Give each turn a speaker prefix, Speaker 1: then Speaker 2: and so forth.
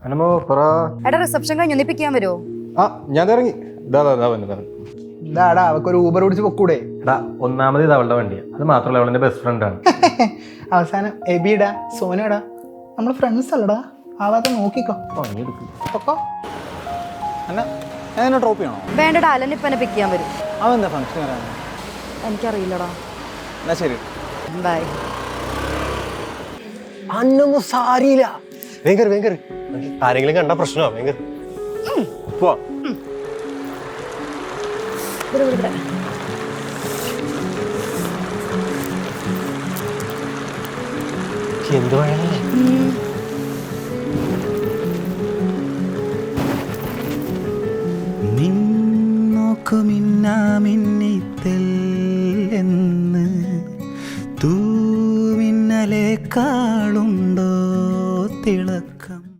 Speaker 1: അനുമോ പറ.
Speaker 2: എടാ റിസപ്ഷൻ കഴിഞ്ഞ് ഒന്നിപ്പിക്കാൻ വരുമോ?
Speaker 1: ആ ഞാൻ ഇറങ്ങി.
Speaker 3: ഇതാടാ അവക്കൊരു ഊബർ പിടിച്ച് പൊക്കൂടെ?
Speaker 1: എടാ ഒന്നാമത് ഇത് അവളുടെ വണ്ടിയാണ്, അത് മാത്രമല്ല അവളെന്റെ ബെസ്റ്റ് ഫ്രണ്ട് ആണ്.
Speaker 3: അവസാനം എബിടാ സോനടാ നമ്മള് ഫ്രണ്ട്സ് അല്ലടാ. ആവാതെ നോക്കിക്കോ. പൊക്കോ. എന്നാ ഞാൻ നിന്നെ ഡ്രോപ്പ് ചെയ്യണോ?
Speaker 2: വേണ്ടടാ, അലൻ ഇപ്പം എന്നെ പിക്ക് ചെയ്യാൻ വരും.
Speaker 3: അവൻ എന്താ ഫംഗ്ഷൻ വരാൻ?
Speaker 2: എനിക്കറിയില്ലടാ.
Speaker 3: എന്നാ ശരി,
Speaker 2: ബൈ.
Speaker 4: അന്നൊന്നും സാരിയില്ല. വേഗം ആരെങ്കിലും കണ്ട പ്രശ്നമാ. വേഗം പോവാ. എന്ത് വേണല്ലേ?
Speaker 5: നിന്നോക്കുമിന്നാമിന്നിത്തെൽ